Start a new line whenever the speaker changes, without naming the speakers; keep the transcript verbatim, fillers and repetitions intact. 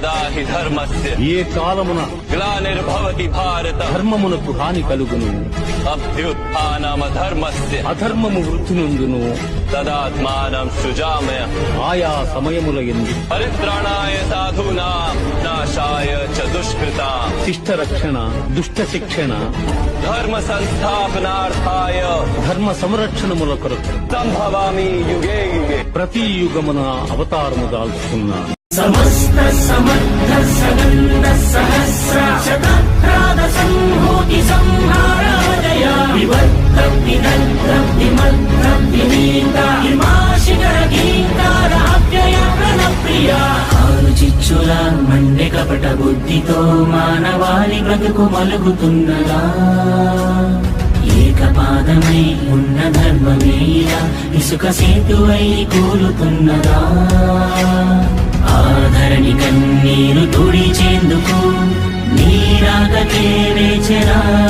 యదా హి ధర్మస్య
ఏ కాలమున
గ్లానిర్భవతి భారత
ధర్మమునకు హాని కలుగును,
అభ్యుత్థానమధర్మస్య
అధర్మము వృద్ధి నుండును,
తదాత్మానం సృజామయ
ఆయా సమయముల యందు
పరిత్రాణాయ సాధూనాం నాశాయ చ దుష్కృతాం
శిష్ట రక్షణ, దుష్ట శిక్షణ,
ధర్మ సంస్థాపనార్థాయ
ధర్మ సంరక్షణముల కొరకు
సంభవామి యుగే యుగే.
ప్రతి యుగమున అవతారము దాల్చుకున్నాను.
సమస్త సమర్థ సగంధ సహస్ర శతప్రాద సంహూతి సంహారాజయ వివర్త విదగ్ధ విమగ్ధ వినీత హిమాశిఖర గీతార అవ్యయ ప్రణప్రియ ఆరు చిచ్చుల మండె కపట బుద్ధితో మానవాళి బ్రతుకు మలుగుతున్నదా, ఏకపాదమై ఉన్న ధర్మమేలా ఇసుక సేతువై కూలుతున్నదా, ఆధరణి కన్నీరు తుడిచేందుకు నీరాగకే వేచరా.